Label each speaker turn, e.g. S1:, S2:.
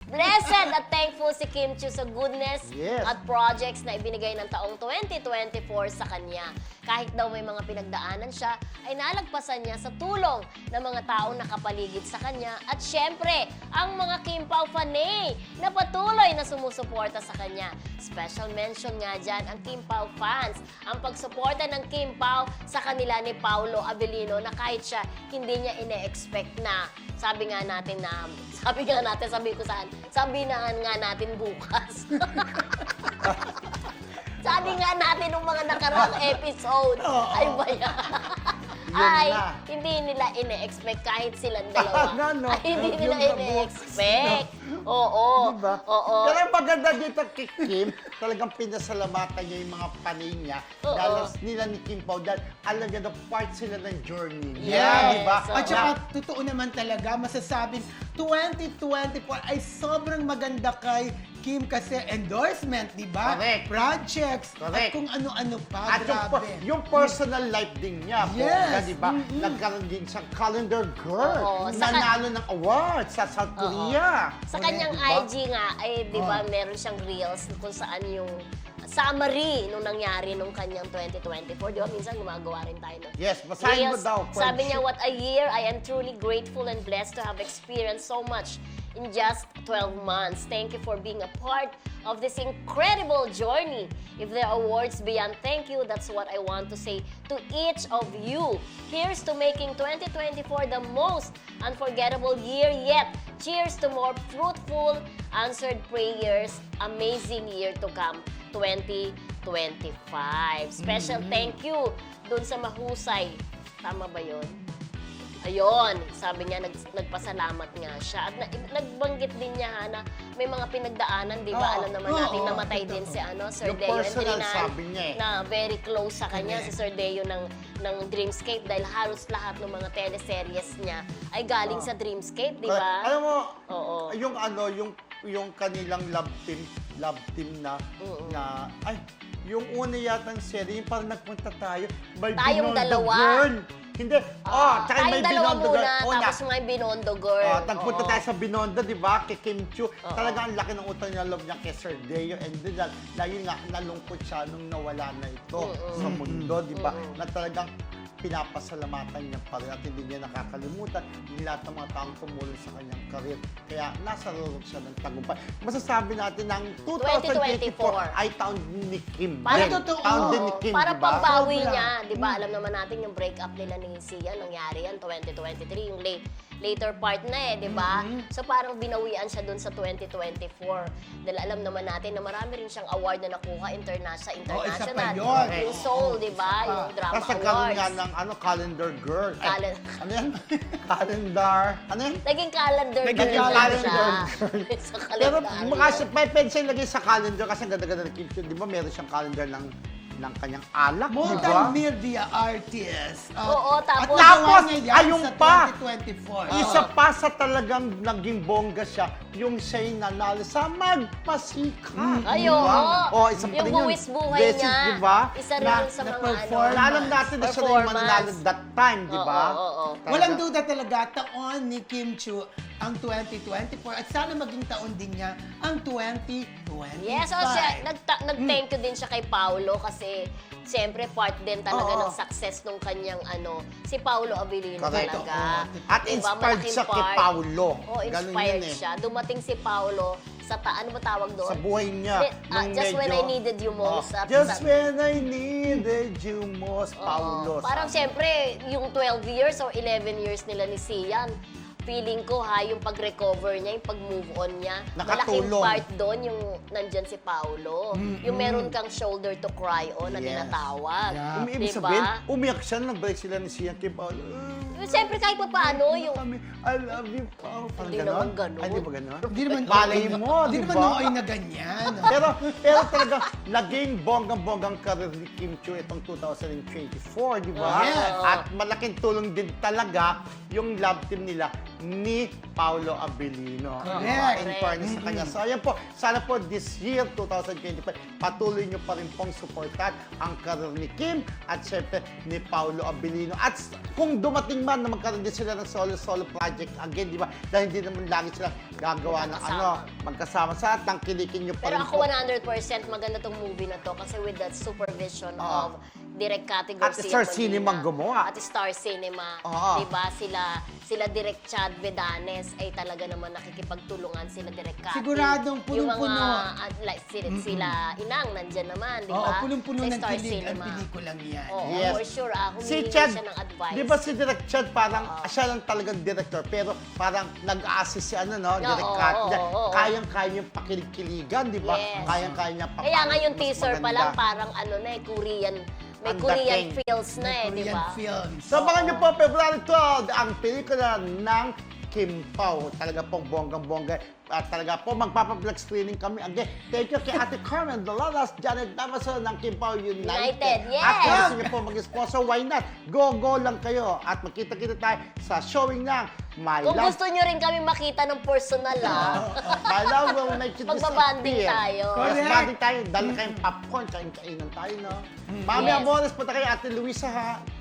S1: Blessed at thankful si Kim Chiu sa goodness
S2: Yes.
S1: at projects na ibinigay ng taong 2024 sa kanya. Kahit daw may mga pinagdaanan siya, ay nalagpasan niya sa tulong ng mga taong nakapaligid sa kanya at syempre, ang mga Kim Pao fanay na patuloy na sumusuporta sa kanya. Special mention nga dyan ang Kim Pao fans. Ang pagsuporta ng Kim Pao sa kanila ni Paolo Avellino na kahit siya hindi niya ine-expect na sabi nga natin, sabi ko saan, sabi na nga natin bukas. Sabi nga natin nung mga nakaraang episode, ay ba yan? Ay,
S2: na.
S1: hindi nila ine-expect kahit silang dalawa.
S2: No.
S1: Ay, hindi nila
S2: Yung
S1: ine-expect. Oo.
S2: Diba?
S1: Oo.
S2: Pero ang maganda dito kay Kim, talagang pinasalamatan niya yung mga panay niya.
S1: Oo.
S2: Lalo nila ni Kim Pao dahil alam niya na part sila ng journey niya.
S1: Yes.
S2: Diba?
S1: Oo.
S3: At saka, totoo naman talaga, masasabing 2024 ay sobrang maganda kay Kim kasi endorsement, di ba?
S2: Correct.
S3: Projects,
S2: Correct.
S3: at kung ano-ano pa,
S2: At
S3: grabe.
S2: yung personal life din niya,
S3: Yes.
S2: di ba? Nagkaroon din siyang calendar girl.
S1: Oo. Sa
S2: Nanalo ng awards sa South Korea.
S1: Sa kanyang
S2: Diba?
S1: IG nga, ay di ba meron siyang reels kung saan yung summary nung nangyari nung kanyang 2024. Di ba? Minsan gumagawa rin tayo ng
S2: Yes, basahin mo
S1: reels.
S2: daw.
S1: Sabi niya, what a year. I am truly grateful and blessed to have experienced so much in just 12 months. Thank you for being a part of this incredible journey. If there are words beyond thank you, that's what I want to say to each of you. Here's to making 2024 the most unforgettable year yet. Cheers to more fruitful, answered prayers. Amazing year to come, 2025. Special thank you dun sa mahusay. Tama ba yun? Ayun, sabi niya, nagpasalamat nga siya. At nagbanggit din niya na may mga pinagdaanan, di ba?
S2: Oo.
S1: Alam naman natin,
S3: Oo,
S1: namatay
S3: totoo.
S1: din si Sir
S2: Yung
S1: Deo
S2: personal,
S1: Entrinan,
S2: sabi niya eh.
S1: na very close sa kanya,
S3: Correct.
S1: si Sir Deo ng Dreamscape dahil halos lahat ng mga teleseries niya ay galing sa Dreamscape, di ba?
S2: Alam mo,
S1: Oo.
S2: yung kanilang love team na, yung una yatang serie, yung parang nagpunta tayo, may
S1: Tayong
S2: Binondo
S1: dalawa.
S2: Girl. Hindi. Tsaka
S1: tayong
S2: may
S1: dalawa
S2: Binondo
S1: muna,
S2: Girl. Una.
S1: tapos may Binondo Girl.
S2: Nagpunta
S1: Oo.
S2: tayo sa Binondo, di ba? Kay Kim Chiu. Talaga ang laki ng utang niya loob niya kay Sir Deo. And then, dahil nga, nalungkot siya nung nawala na ito sa mundo, di ba? Na talagang pinapasalamatan niya pa rin at hindi niya nakakalimutan yung lahat ng mga taong tumulong sa kanyang karir. Kaya nasa rurog siya ng tagumpay. Masasabi natin na ang 2024 ay taon ni Kim.
S1: Parang
S2: din.
S3: totoo.
S2: Taon din ni Kim,
S1: Para
S2: di ba?
S1: pambawi
S3: Sobra.
S1: niya, di ba? Alam naman natin yung breakup nila ni Sia, nangyari yan, 2023, yung later part na di ba? So parang binawian siya dun sa 2024. Dahil alam naman natin na marami rin siyang award na nakuha
S3: isa pa
S1: international.
S3: yun.
S1: Yung Soul, di ba? Yung drama
S2: Tapos nagkaroon nga
S1: awards.
S2: ng calendar girl. Ay,
S1: Calen-
S2: ano yan? Calendar. Ano yan?
S1: Naging calendar
S3: Naging
S1: girl
S2: calendar
S1: siya.
S2: girl.
S1: sa
S2: Pero
S1: kalendaryo.
S2: pwede siyang lagay sa calendar kasi ang ganda-ganda ng Kim Chiu. Di ba meron siyang calendar ng kanyang alak, di ba?
S3: Multimedia artist.
S1: Oo, tapos-
S3: At nagawa
S2: Tapos,
S3: niya yan
S2: ayun
S3: sa
S2: pa.
S3: 2024.
S2: Isa pa sa talagang naging bongga siya, yung siya'y nanalo sa Magpasika.
S1: Ay,
S2: Di ba?
S1: oo.
S2: Isa pa
S1: Yung
S2: rin yun.
S1: buwis buhay
S2: Beses,
S1: niya.
S2: Di ba?
S1: Isa rin
S2: Na-
S1: yun sa
S3: na
S1: mga
S3: performance.
S2: na alam natin na siya na yung mananalo that time, di ba?
S1: Oo.
S3: Walang duda talaga, taon ni Kim Chiu ang 2024 at sana maging taon din niya ang 2025.
S1: Yes, so siya, nag-thank you din siya kay Paolo kasi siyempre part din talaga
S2: Oo.
S1: ng success nung kanyang si Paolo Avellino
S2: Correct.
S1: talaga.
S2: At
S1: Diba,
S2: inspired
S1: malaking
S2: siya kay
S1: part.
S2: Paolo.
S1: Oo,
S2: Ganun
S1: inspired
S2: yun eh.
S1: siya. Dumating si Paolo sa ano ba tawag doon?
S2: Sa buhay niya. nung
S1: Just when I needed you most.
S2: Oh,
S1: At
S2: just
S1: sa-
S2: when I needed you most,
S1: Oo.
S2: Paolo.
S1: Parang
S2: sabi.
S1: siyempre, yung 12 years or 11 years nila ni Sian, feeling ko yung pag-recover niya, yung pag-move on niya, malaking
S2: Nakatulong.
S1: part doon yung nandyan si Paolo. Yung meron kang shoulder to cry on na
S2: Yes.
S1: tinatawag.
S3: Yeah.
S2: Ibig
S1: Diba?
S2: sabihin, umiyak siya nang break sila ni Sian kay Paolo.
S1: Siyempre kahit pa paano, yung
S2: Kami, I love you, Paolo. Parang
S1: Hindi
S2: ganon?
S1: naman ganon.
S2: Ay, di ba ganon?
S3: Hindi naman
S2: Malay mo,
S3: Hindi
S2: di
S3: naman
S2: ba?
S3: nooy na ganyan.
S2: pero talaga, naging bonggang-bonggang karir ni Kim Chiu itong 2024, di ba?
S3: Yes.
S2: At malaking tulong din talaga yung love team nila ni Paolo Abilino.
S3: Correct.
S2: In fairness sa kanya. So, ayan po, sana po this year, 2025, patuloy nyo pa rin pong supportan ang karir ni Kim at syempre ni Paolo Abilino. At kung dumating man na magkaroon din sila ng solo project again, di ba? Dahil hindi naman lagi sila gagawa ng magkasama sa tangkilikin nyo pa
S1: Pero
S2: rin
S1: ako
S2: po.
S1: 100% maganda tong movie na to kasi with the supervision
S2: Oo.
S1: of Direk Cathy
S2: At
S1: Garcia
S2: Star
S1: Molina.
S2: Cinema gumawa.
S1: At Star Cinema.
S2: Oo.
S1: Diba? Sila Direk Chad Vedanes ay talaga naman nakikipagtulungan sila Direk Cathy.
S3: Siguradong punong-puno.
S1: Yung mga, like, sila Inang, nandyan naman, di
S3: Oo,
S1: ba?
S3: punong-puno
S1: Sa
S3: ng
S1: Star
S3: kilig ang
S1: Cinema.
S3: pelikulang yan.
S1: Oo,
S2: Yes.
S1: for sure.
S2: Si
S1: Humingi
S2: Chad,
S1: siya ng advice.
S2: di ba si Direk Chad parang, siya lang talagang director, pero parang nag-assist si Direk
S1: oo,
S2: Cat.
S1: oo.
S2: Kayang-kaya yung pakilig-kiligan, di ba?
S1: Yes.
S2: Kayang-kaya niya pa.
S1: Kaya nga yung
S2: mas
S1: teaser pa
S2: maganda.
S1: lang parang Korean, may
S2: Ang
S1: Korean
S2: dating.
S1: feels na eh, di
S3: Korean
S1: ba?
S3: films.
S2: So, abangan niyo po, February 12, ang pelikula ng Kim Pao. Talaga pong bonggang-bongga. At talaga po, magpapablog screening kami. Again, thank you kay Ate Carmen Dolalas, Janet Damaso ng Kim Pao United.
S1: United, yes!
S2: At kung gusto niyo po mag-sponsor, why not? Go lang kayo. At magkita-kita tayo sa showing ng My
S1: Kung
S2: Love.
S1: gusto nyo rin kami makita ng personal,
S2: My Love will make you
S1: Magbabanding
S2: disappear.
S1: tayo.
S2: Yes,
S3: Correct.
S2: banding tayo. Dala kayong popcorn, kain-kainan tayo, no? Mami
S1: Yes.
S2: Amores, punta kayo Ate Luisa, ha?